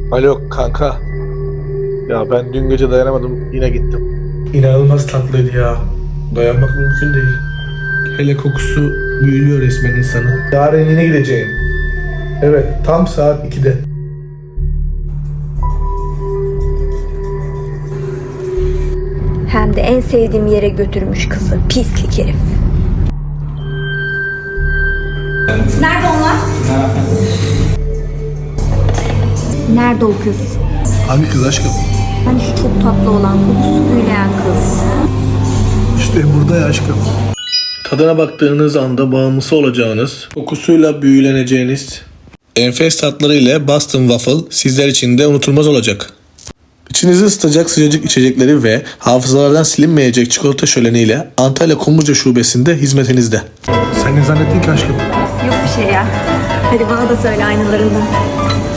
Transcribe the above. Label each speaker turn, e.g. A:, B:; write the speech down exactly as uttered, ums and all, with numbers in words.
A: Alo kanka. Ya ben dün gece dayanamadım, yine gittim.
B: İnanılmaz tatlıydı ya. Dayanmak mümkün değil. Hele kokusu büyülüyor resmen insanı. Yarın yine gideceğim. Evet, tam saat ikide.
C: Hem de en sevdiğim yere götürmüş kızı. Pislik herif. Nerede onlar? Nerede o kız?
B: Hangi kız aşkım?
C: Hani şu çok tatlı olan, kokusu büyüleyen kız.
B: İşte burada ya aşkım. Tadına baktığınız anda bağımlısı olacağınız, kokusuyla büyüleneceğiniz enfes tatları ile Boston Waffle sizler için de unutulmaz olacak. İçinizi ısıtacak sıcacık içecekleri ve hafızalardan silinmeyecek çikolata şöleniyle Antalya Kumluca Şubesi'nde hizmetinizde. Sen ne zannettin ki aşkım?
C: Yok bir şey ya. Hadi bana da söyle aynalarından.